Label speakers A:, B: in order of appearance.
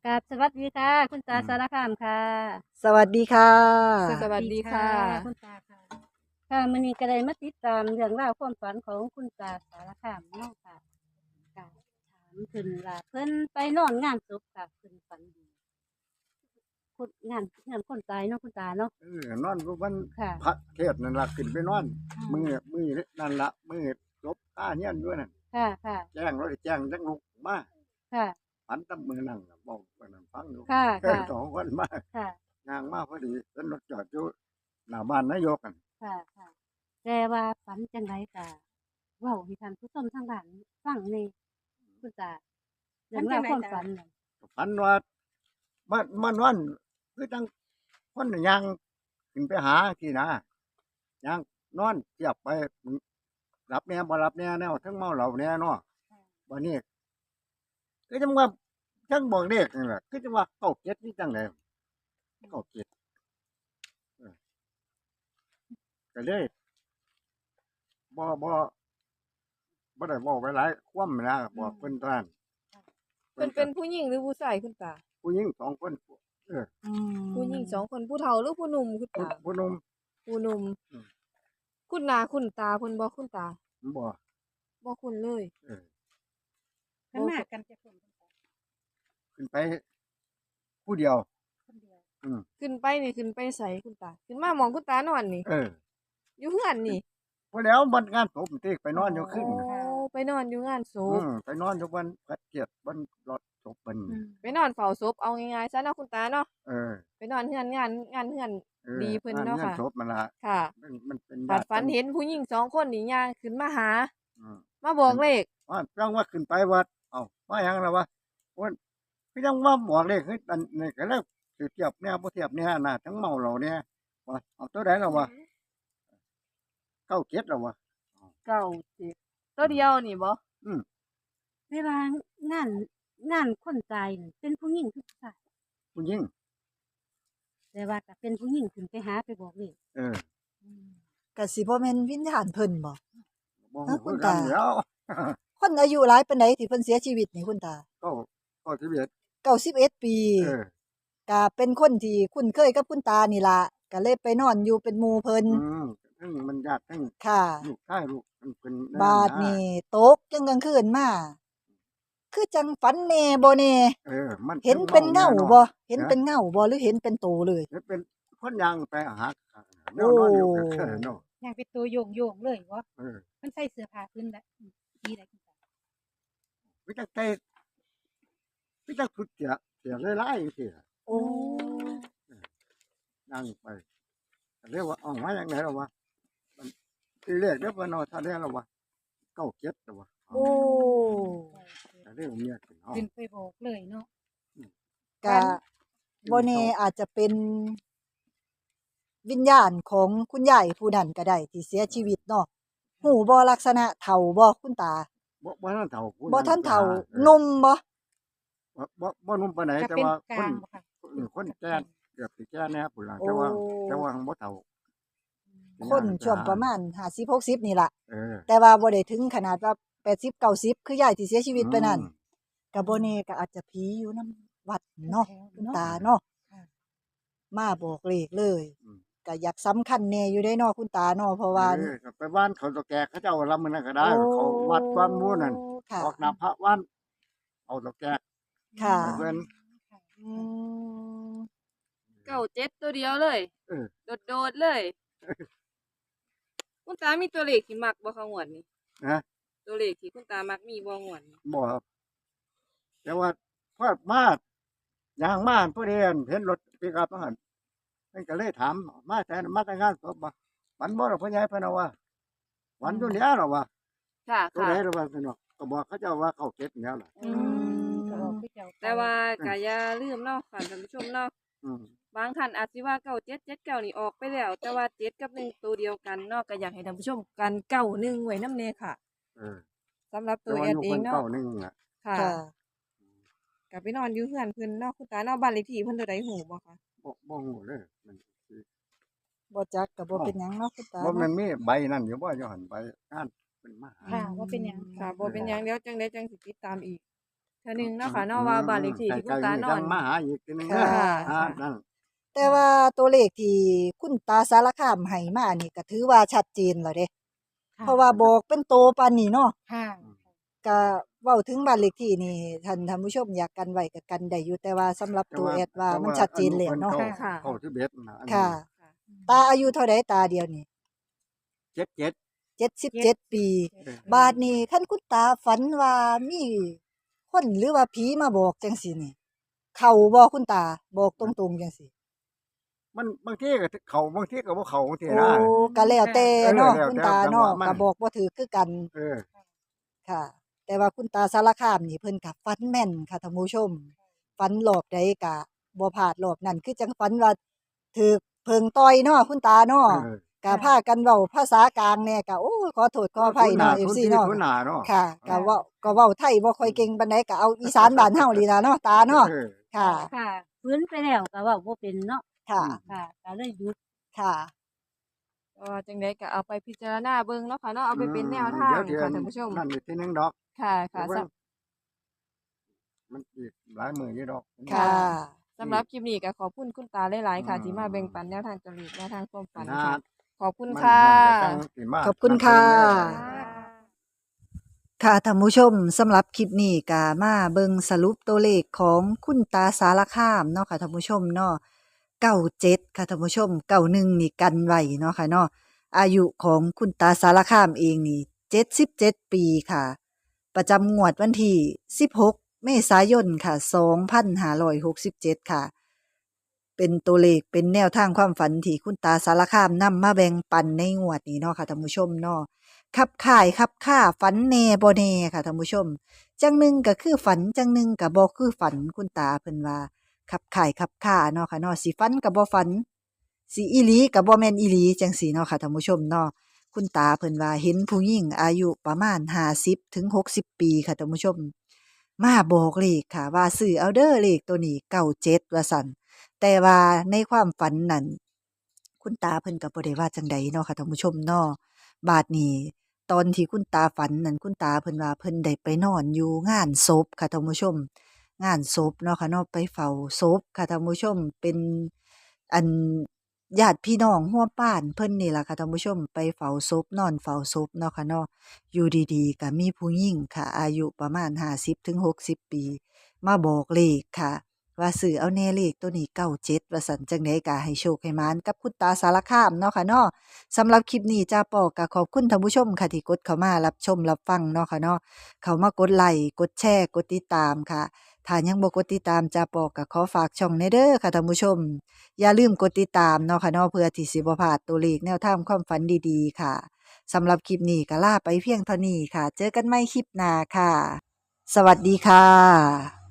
A: กราบสวัสดีค่ะคุณตาสารคามค่ะ
B: สวัสดีค่ะ
C: สวัสดีค่ะ
A: คุณตาค่ะค่ะมื้อนี้ก็ได้มาติดตามเรื่องราวความฝันของคุณตาสารคามเนาะค่ะก็ถามเพิ่นว่าเพิ่นไปนอนงานศพค่ะเพิ่นฝันดีคนงานคนตายเนาะคุณตาเนาะ
D: นอนก็วัน
A: ค่ะ
D: พระเทศน์นั่นล่ะขึ้นไปนอน
A: อื
D: มือ
A: ม
D: มือนั่นละมือจบค่าเฮียนด้วยนั่น
A: ค่ะค่ะ
D: แจ้งแล้วแจ้งจังลุกมา
A: ค่ะ
D: ฝันตำมือนั่งน่ะบอกว่านั่นฟังอยู่
A: ค่ะค่ะ
D: สองคนมา
A: ค่ะ
D: ย่างมาพอดีเพิ่นรถจอดอยู่หน้าบ้านนายกกัน
A: ค่ะค่ะแต่ว่าฝันจังไดก็เว้าให้ท่านผู้ชมทางบ้านฟังแหน่คุณตาเรื่องราวความฝันน่ะ
D: ฝันว่ามานอนคือจังคนย่างขึ้นไปหาที่นะย่างนอนเทียบไปหลับแน่บ่หลับแน่แนวทั้งเมาเหล้าแน่เนาะวันนี้คือจังว่าทั้งบอกเด็กนี่แหละคือจังว่าเข้าเก็ดนี่จังได๋เข้าเก็ดเออก็เลยบ่ได้เว้าไปหลายความนะบอกเพิ่นเท่านั้น
C: เพิ่นเป็นผู้หญิงหรือผู้ชายคุณตา
D: ผู้หญิงสองคนเออ
C: ผู้หญิง2คนผู้เฒ่าหรือผู้หนุ่มคุณตา
D: ผู้หนุ่ม
C: ผู้หนุ่ม
D: อืม
C: คุณหน้าคุณตาเพิ่นบ่คุณตา
D: บ่
C: บ่คุ้นเลย
D: เออ
A: เพิ่นมากันจักคนคุณตา
D: ขึ้นไปผู้เดียว
A: คนเดียว
C: ขึ้นไปนี่ขึ้นไปไสคุณตา ขึ้นมาหม้องคุณตานอนนี่
D: เออ
C: อยู่เฮือนนี่
D: พอแล้วบัดงานศพติไปนอนอยู่ครึ่ง
C: โอ้ไปนอนอยู่งานศพ
D: ไปนอนอยู่บนพระเกียรติบนรถศพเพิ่น
C: ไปนอนเฝ้าศพเอาง่ายๆซะเนาะคุณตาเนาะ
D: เออ
C: ไปนอนเฮือนงานเฮือน
D: เออ
C: ดีเพิ่นเนาะ
D: ง
C: ค่ะ
D: ศพมันล่ะ
C: ค่ะ
D: มันเป็น
C: บัด
D: ญาติ
C: ฝันเห็นผู้หญิง2คนนี่ย่างขึ้นมาหา
D: อืม
C: มาบอกเลข
D: ว่าจังว่าขึ้นไปวัดเอ้ามาหยังล่ะวะว่าคือจังว่าบอกเลขคืออันนี่ก็แล้วสิเทียบแนวบ่เทียบแนวน่ะทั้งเมาเหล้าเนี่ยว่าเอาตัวใดล่ะวะ97แล้ววะ
C: 9 ตัวเดียวนี่บ่
A: เวลางานคนตายนี่เป็นผู้หญิงคือผู้ชาย
D: ผู้หญิง
A: แต่ว่าก็เป็นผู้หญิงขึ้นไปหาไปบอกเลย
D: เออ
B: ก็สิบ่แม่นวิญญาณเพิ่นบ่
D: บ่
B: เอ้า
D: ฮู้
B: คุ
D: คือ
B: ณ
D: กัน
B: ตา
D: แหล้ว
B: คนอายุหลายปานใดที่เพิ่นเสียชีวิตนี่คุณตา
D: ก็ที่เบียด
B: 91 ปี
D: เออ
B: ก็เป็นคนที่คุ้นเคยกับคุณตานี่ล่ะก็เลยไปนอนอยู่เป็นหมู่เพิ่น
D: ทั้งมันญาติทั้ง
B: ค่ะ
D: ลูกชายลูกมันเป็นแนว
B: บาดนี่ตกจังกลางคืนมาคือจังฝันแน่บ่แน่
D: เออ มัน
B: เห็นเป็นเงาบ่เห็นเป็นเงาบ่หรือเห็นเป็นโตเลย
D: เห็นเป็นคนยางไปหาแนวนอนอยู่ก็คือเนาะ
E: ย่างเป็นตัวโยงเลยวะ
D: เออ
E: มันใส่เสื้อผ้าพื้นแบบสีอะไรคุณตา
D: วิจักใจวิจักสุดเสียหลายๆจังซี่ล่ะ
B: โอ้
D: นั่งไปก็เรียกว่าเอ้ามาจังได๋ล่ะวะมันทีแรกเด้อเพิ่นเอาถ้าได้แล้ววะ97แล้ววะ
B: โอ้
D: ก็เรียกว่าเมียขึ้นเฮา
E: ขึ้นไปบอกเลยเนาะ
B: ก็บ่แน่อาจจะเป็นวิญญาณของคุณยายผู้นั้นก็ได้ที่เสียชีวิตเนาะหูบ่ลักษณะเฒ่าบ่คุณตา
D: บ่ทันเฒ่าผู้
B: บ่ทันเฒ่า
D: ไปห
B: หนุ่มบ่
D: บ่หนุ่มปานใด
E: จะ
D: แต่
E: เป็น
D: ว่า
E: ก
D: ค
E: ลาน งบ่ค่ะ
D: คนแก่เกือบสิแก่แน่พุ่นล่ะแต่ว่าบ่เฒ่า
B: คนช่วงประมาณ50-60นี่ล่ะ
D: เออ
B: แต่ว่าบ่ได้ถึงขนาดว่า80-90คือยายที่เสียชีวิตไปนั่นก็บ่แน่ก็อาจจะผีอยู่นำวัดเนาะคุณตาเนาะมาบอกเลขเลยก็อยากสำคัญแน่อยู่ได้เนาะคุณตาเนาะเพราะว่า
D: ก็ไปบ้านเขาตะแก่เขาเจ้าลำมันนั่นก็ได้
B: โอ้
D: เขาวัดวังมูนั่น
B: ค่ะ
D: ออกหน้าพระวันเอาตะแก่
B: ค่ะ
D: ให้เพิ่น
B: อืม
C: 97ตัวเดียวเลย
D: เออ
C: โดดๆเลย คุณตามีตัวเลขที่มักบ่คะงวดนี้
D: นะ
C: ตัวเลขที่คุณตามักมีบ่งวดนี้
D: บ่ครับแต่ว่าพอดมาย่างมาผู้เรียนเห็นรถปิกอัพมาหั่นเพิ่นก็เลยถามมาแต่งานศพบ่ฝันบ่ล่ะพ่อใหญ่เพิ่นว่าฝันอยู่แล้วล่ะว่า
C: ค่ะ
D: ตัว
C: ค่ะ
D: ใดล่ะว่าเพิ่นว่าก็บอกเขาเจ้าว่าเข้าเก็ดแล้วล่ะ
C: อืม
E: ก็บอกคือเจ้า
C: แต่ว่าก็อย่าลืมเนาะค่ะท่านผู้ชมเนาะ
D: อืม
C: บางท่านอาจสิว่า9779นี่ออกไปแล้ว แต่ว่า7กับ1ตัวเดียวกันเนาะก็อยากให้ท่านผู้ชมกัน91ไว้นำแน่ค่ะ
D: เออ
C: สำหรับ
D: แต่
C: ตัว
D: ว่า
C: แอ
D: อ
C: ด
D: ยู่
C: เอ
D: เพิ่
C: ง
D: น
C: เนาะ
D: เก้าหนึงน่ะ
C: ค่ะ
B: ค่ะ
C: ก็ไปนอนอยู่เฮือนเพิ่นเนาะคุณตาเนาะบ้านเลขที่เพิ่นเท่าใดฮู้บ่คะ
D: บ่ฮู้เลยมันสิ
B: บ่จักก็บ่เป็นหยังเนาะคุณตา
D: บ่มัน
B: เนาะ
D: มีใบนั่นอยู่บ่อยู่หั่นใบงานเป็นมาหา
E: ค่ะว่าเป็นหยัง
C: ค่ะบ่เป็นหยังเดี๋ยวจังได๋จังสิติดตามอีกเทื่อหนึงเนาะค่ะเนาะว่าบ้านเลขที่ที่คุณตานอน
D: มาหาอีกทีนึง
B: ค่ะ
D: นั่น
B: แต่ว่าตัวเลขที่คุณตาสารคามให้มานี่ก็ถือว่าชัดเจนแล้วเด้
A: ค่ะ
B: เพราะว่าบอกเป็นโตปานนี้เนาะ
E: ค่ะ
B: ก็เว้าถึงบ้านเลขที่นี่ท่านผู้ชมอยากกันไว้ก็กันได้อยู่แต่ว่าสำหรับตัวแอดว่ามันชัดเจนแล้วเนาะ
C: ค่ะ
D: เข้าที่เบ็ดนะอันนี้
B: ค่ะ ตาอายุเท่าใดตาเดียวนี่
D: 77
B: 77 ปี บาดนี้คันคุณตาฝันว่ามีคนหรือว่าผีมาบอกจังซี่นี่ เข้าบ่คุณตาบอกตรงๆจังซี่
D: มันบางทีก็เข้าบางทีก็บ่เข้าบางที
B: โอ้
D: นะ
B: ก็แล้วแต่เนาะ
D: แล้วแต่
B: คุณตาเนาะ
D: จังหวะมัน
B: ก็บอกบ่ถูกคือกัน
D: เออ
B: ค่ะ แต่ว่าคุณตาสารคามนี่เพิ่นก็ฝันแม่นค่ะท่านผู้ชมฝันรอบใดก็บ่พลาดรอบนั้นคือจังฝันว่าถูกเพิงต่อยเนาะคุณตาเนาะ
D: เออ
B: ก็พากันเว้าภาษากลางแหน่ก็โอ้ยขอโทษขออภัยเนาะ FC เนาะ
D: ทุนหน้าเนาะ
B: ค่ะก็เว้าไทยบ่ค่อยเก่งปานใดก็เอาอีสานบ้านเฮานี่ล่ะเนาะตาเนาะ
D: เออ
B: ค่ะ
A: ค่ะฟื้นไปแล้วก็เว้าบ่เป็นเนาะ
B: ค่ะ
A: ค่ะก็เลยหยุด
B: ค่ะ
C: ก็จังไดก็เอาไปพิจารณาเบิ่งเนาะค่ะเนาะเอาไปเป็นแนวทาง
D: เดี๋ยว
C: ค่ะท่านผู้ชม
D: นั่นอีกทีนึงดอก
C: ค่ะค่ะ
D: เดี๋ยวมันอีกหลายมื้ออยู่ดอก
B: ค่ะ
C: สำหรับคลิปนี้ก็ขอบคุณคุณตาหลายๆค่ะ ที่มาแบ่งปันแนวทางตัวเลขแนวทางความฝันค่ะ ขอบคุณ
D: มัน
C: ค่ะ
D: มันจะสิมา
B: ขอบคุณค่ะ
D: นำเสนอ
B: ค่ะท่านผู้ชมสำหรับคลิปนี้ก็มาเบิ่งสรุปตัวเลขของคุณตาสารคามเนาะค่ะท่านผู้ชมเนาะ97ค่ะท่านผู้ชม91นี่กันไว้เนาะค่ะเนาะอายุของคุณตาสารคามเองนี่77 ปีค่ะ ประจำงวดวันที่16 เมษายนค่ะ2567ค่ะ เป็นตัวเลขเป็นแนวทางความฝันที่คุณตาสารคามนำมาแบ่งปันในงวดนี้เนาะค่ะท่านผู้ชมเนาะขับข่ายขับค่าฝันแน่บ่แน่ค่ะท่านผู้ชม จังหนึงก็คือฝันจังหนึงก็บ่คือฝันคุณตาเพิ่นว่าขับข่ายขับค่าเนาะค่ะเนาะสิฝันก็บ่ฝันสิอีหลีก็บ่แม่นอีหลีจังซี่เนาะค่ะท่านผู้ชมเนาะคุณตาเพิ่นว่าเห็นผู้หญิงอายุประมาณ50ถึง60 ปีค่ะท่านผู้ชม มาบอกเลขค่ะว่าซื้อเอาเด้อเลขตัวนี้97ว่าซั่น แต่ว่าในความฝันนั้นคุณตาเพิ่นก็บ่ได้ว่าจังใดเนาะค่ะท่านผู้ชมเนาะบาดนี้ตอนที่คุณตาฝันนั้นคุณตาเพิ่นว่าเพิ่นได้ไปนอนอยู่งานศพค่ะท่านผู้ชม งานศพเนาะค่ะเนาะไปเฝ้าศพค่ะท่านผู้ชมเป็นอันญาติพี่น้องร่วมบ้านเพิ่นนี่ล่ะค่ะท่านผู้ชมไปเฝ้าศพนอนเฝ้าศพเนาะค่ะเนาะอยู่ดีๆก็มีผู้หญิงค่ะ อายุประมาณ50ถึง60 ปี มาบอกเลขค่ะ ว่าซื้อเอาแน่เลขตัวนี้97ว่าซั่นจังได๋ก็ให้โชคให้หมานกับคุณตาสารคามเนาะค่ะเนาะสำหรับคลิปนี้จ้าปอก็ขอบคุณท่านผู้ชมค่ะที่กดเข้ามารับชมรับฟังเนาะค่ะเนาะเข้ามากดไลค์กดแชร์กดติดตามค่ะถ้ายังบ่กดติดตามจ้าปอก็ขอฝากช่องในเด้อค่ะท่านผู้ชม อย่าลืมกดติดตามเนาะค่ะเนาะเพื่อที่สิบ่พลาดตัวเลขแนวทางความฝันดีๆค่ะสำหรับคลิปนี้ก็ลาไปเพียงเท่านี้ค่ะ เจอกันใหม่คลิปหน้าค่ะ สวัสดีค่ะ